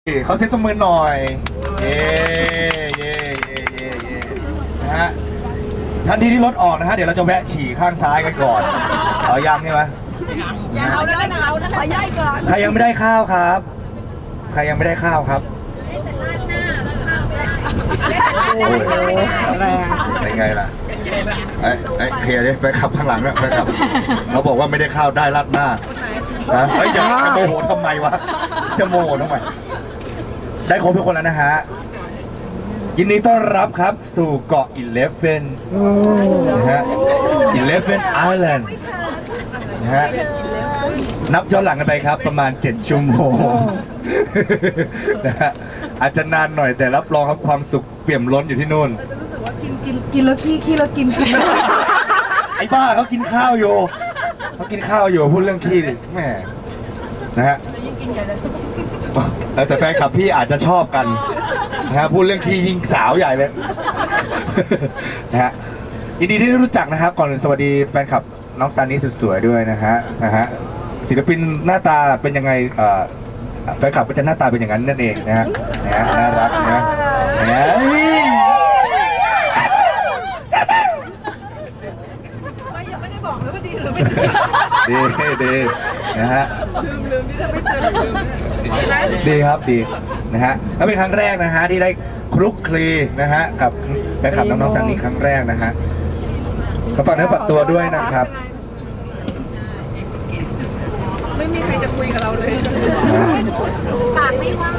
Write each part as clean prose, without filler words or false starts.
เขาเซ็ตตัวมือหน่อยเย่เย่เย่เย่เย่นะฮะทันทีที่รถออกนะฮะเดี๋ยวเราจะแวะฉี่ข้างซ้ายกันก่อนเอายังใช่ไหมยังเอาได้นะเอาได้ขอย่ายก่อนใครยังไม่ได้ข้าวครับใครยังไม่ได้ข้าวครับโอ้ยเป็นไงล่ะไอ้เคลียร์ดิไปขับข้างหลังเนี่ยไปขับเขาบอกว่าไม่ได้ข้าวได้รัดหน้านะเฮ้ยจะโมโหทำไมวะจะโมโหทำไมได้ครบทุกคนแล้วนะฮะยินดีต้อนรับครับสู่เกาะ11นะฮะ11 Island นะฮะนับย้อนหลังกันไปครับประมาณ7 ชั่วโมงนะฮะอาจจะนานหน่อยแต่รับรองครับความสุขเปี่ยมล้นอยู่ที่นู่นจะรู้สึกว่ากินแล้วขี้แล้วกินไอ้บ้าเขากินข้าวอยู่เขากินข้าวอยู่พูดเรื่องขี้ดิแม่นะฮะแต่แฟนคลับพี่อาจจะชอบกันนะฮะพูดเรื่องขี้ยิ่งสาวใหญ่เลยนะฮะยินดีที่ได้รู้จักนะครับก่อนอื่นสวัสดีแฟนคลับน้องซันนี่สุดสวยด้วยนะฮะศิลปินหน้าตาเป็นยังไงแฟนคลับก็จะหน้าตาเป็นอย่างนั้นนั่นเองนะฮะน่ารักนะยังไม่ได้บอกเลยว่าดีหรือไม่ดีนะฮะลืมที่จะไม่เตือนลืมดีครับดีนะฮะแล้วเป็นครั้งแรกนะฮะที่ได้คลุกคลีนะฮะกับแฟนคลับน้องๆซันนี่ครั้งแรกนะฮะก็ฝากเนื้อฝากตัวด้วยนะครับไม่มีใครจะคุยกับเราเลยปากไม่ว่าง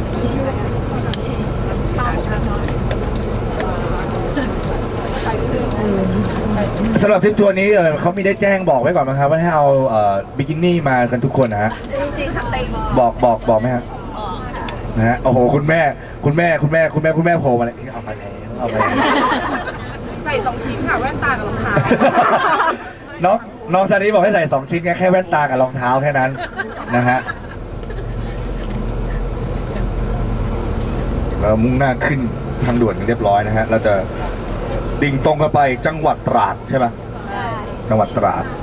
สำหรับทริปทัวร์นี้เขามีได้แจ้งบอกไว้ก่อนไหมครับว่าให้เอาบิกินี่มากันทุกคนนะฮะจริงๆค่ะเต็มบอกไหมฮะนะฮะโอ้โหคุณแม่โผล่มาเลยเอาไปใส่2 ชิ้นค่ะแว่นตากับรองเท้าน้องซานีบอกให้ใส่2 ชิ้นแค่แว่นตากับรองเท้าแค่นั้นนะฮะเรามุ่งหน้าขึ้นทางด่วนเรียบร้อยนะฮะเราจะดิ่งตรงกันไปจังหวัดตราดใช่ไหมจังหวัดตราด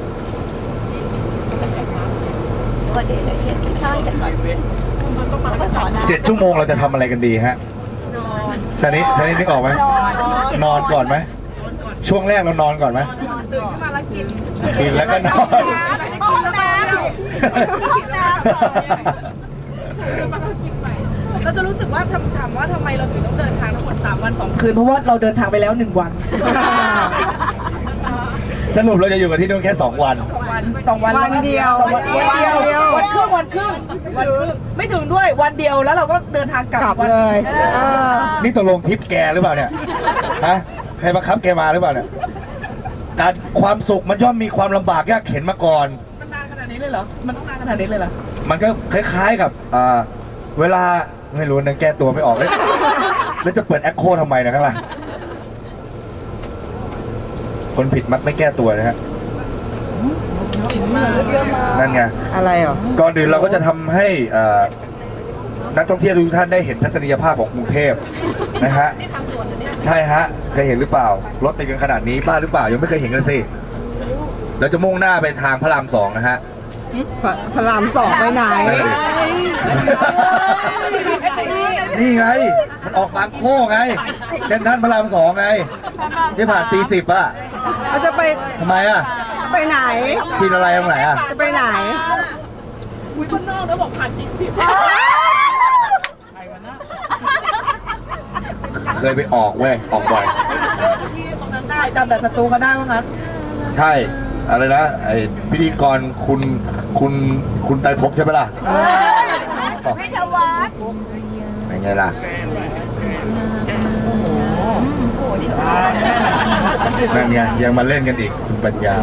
7 ชั่วโมงเราจะทำอะไรกันดีฮะซานินึกออกไหมนอนก่อนไหมช่วงแรกเรานอนก่อนไหมตื่นขึ้นมาแล้วกินแล้วก็นอนกินน้ำเดินมาแล้วกินใหม่เราจะรู้สึกว่าถามว่าทำไมเราถึงต้องเดินทางทั้งหมด3 วัน 2 คืนเพราะว่าเราเดินทางไปแล้ว1 วันสรุปเราจะอยู่กันที่นู่นแค่2 วันวันเดียววันครึ่งไม่ถึงด้วยวันเดียวแล้วเราก็เดินทางกลับเลยนี่ตกลงทริปแกหรือเปล่าเนี่ยฮะใครบังคับแกมาหรือเปล่าเนี่ยการความสุขมันย่อมมีความลำบากยากเข็นมาก่อนมันนานขนาดนี้เลยเหรอมันต้องนานขนาดนี้เลยเหรอมันก็คล้ายๆกับเวลาไม่รู้นะแก้ตัวไม่ออกเลยแล้วจะเปิดแอคโคทำไมนะข้างล่างคนผิดมักไม่แก้ตัวนะฮะนั่นไงอะไรอ่ะก่อนอื่นเราก็จะทำให้นักท่องเที่ยวทุกท่านได้เห็นทัศนียภาพของกรุงเทพนะฮะใช่ฮะเคยเห็นหรือเปล่ารถติดกันขนาดนี้บ้าหรือเปล่ายังไม่เคยเห็นกันสิเราจะมุ่งหน้าไปทางพระราม2นะฮะพระราม2ไปไหนนี่ไงมันออกบางโค้งไงเส้นท่านพระราม2ไงที่ผ่านตี 10อ่ะจะไปทำไมอ่ะไปไหนกินอะไรตรงไหนอ่ะจะไปไหนอุ้ยบ้านนอกแล้วบอกผ่านตี 10 เคยไปออกเว้ยออกบ่อยที่ตรงนั้นได้จำแต่ศัตรูก็ได้มั้งคะใช่อะไรนะไอพิธีกรคุณไตรภพใช่ไหมล่ะไม่ทวัดเป็นไงล่ะนั่นไงยังมาเล่นกันอีกคุณปัญญา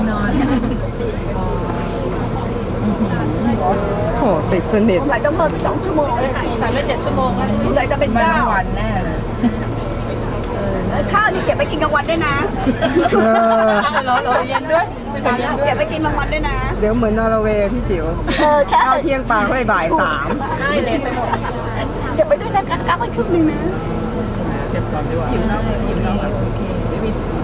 โอ้ติดสนิทไหนต้องเพิ่ม2 ชั่วโมงเลยจ่ายไม่7 ชั่วโมงแล้วไหนจะเป็น9 วันแน่เลยข้าวนี่เก็บไปกินกลางวันด้วยนะรอเย็นด้วยเก็บไปกินกลางวันด้วยนะเดี๋ยวเหมือนนอร์เวย์พี่จิ๋วใช่ข้าวเที่ยงปลาค่อยบ่าย3 ใช่เลยไปหมดเก็บไปด้วยนะกั๊กไปครึ่งนึงนะเก็บก่อนดีกว่า